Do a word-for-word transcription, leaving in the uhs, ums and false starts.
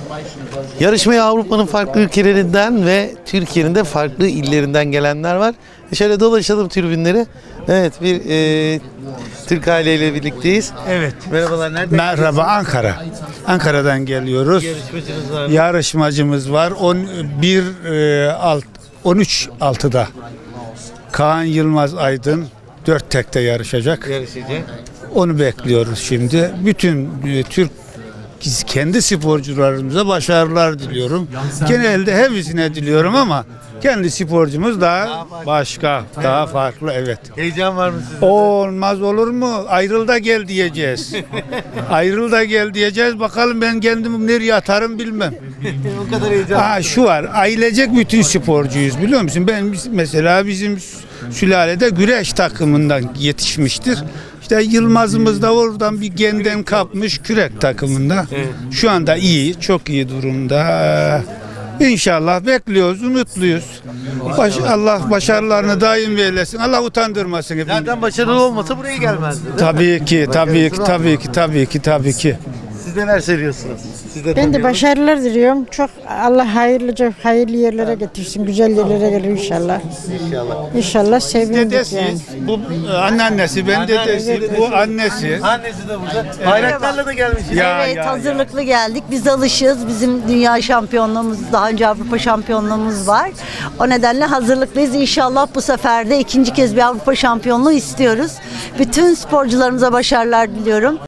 Yarışmaya Avrupa'nın farklı ülkelerinden ve Türkiye'nin de farklı illerinden gelenler var. Şöyle dolaşalım tribünleri. Evet, bir e, Türk aileyle birlikteyiz. Evet. Merhabalar, nereden? Merhaba, Ankara. Ankara'dan geliyoruz. Yarışmacınız var mı? Yarışmacımız var. on bir e, alt on üç altıda Kaan Yılmaz Aydın dört tekte yarışacak. Yarışacak. Onu bekliyoruz şimdi. Bütün e, Türk kendi sporcularımıza başarılar diliyorum. Genelde hepsine diliyorum ama kendi sporcumuz daha başka, daha farklı, evet. Heyecan var mı sizde? Olmaz olur mu? Ayrıl da gel diyeceğiz. Ayrıl da gel diyeceğiz. Bakalım ben kendimi nereye atarım bilmem. O kadar heyecan. Aa, şu var. Ailecek bütün sporcuyuz biliyor musun? Ben mesela bizim sülalede güreş takımından yetişmiştir. İşte Yılmaz'ımız da oradan bir genden kapmış kürek takımında. Şu anda iyi, çok iyi durumda. İnşallah bekliyoruz, umutluyuz. Baş, Allah başarılarını daim eylesin. Allah utandırmasın hepimizi. Zaten başarılı olmasa buraya gelmezdi. Tabii ki, tabii ki, tabii ki, tabii ki, tabii ki. Siz neler söylüyorsunuz? Siz de Ben de tanıyalım. başarılar diliyorum. Çok Allah hayırlıca hayırlı yerlere getirsin. Güzel yerlere gelir inşallah. İnşallah. İnşallah sevindik yani. Dedesi, bu anneannesi, ben dedesi, bu annesi. Annesi de burada. Bayraklarla da gelmişsiniz. Ya, Evet, ya, hazırlıklı geldik. Biz alışığız. Bizim dünya şampiyonluğumuz, daha önce Avrupa şampiyonluğumuz var. O nedenle hazırlıklıyız. İnşallah bu sefer de ikinci kez bir Avrupa şampiyonluğu istiyoruz. Bütün sporcularımıza başarılar diliyorum.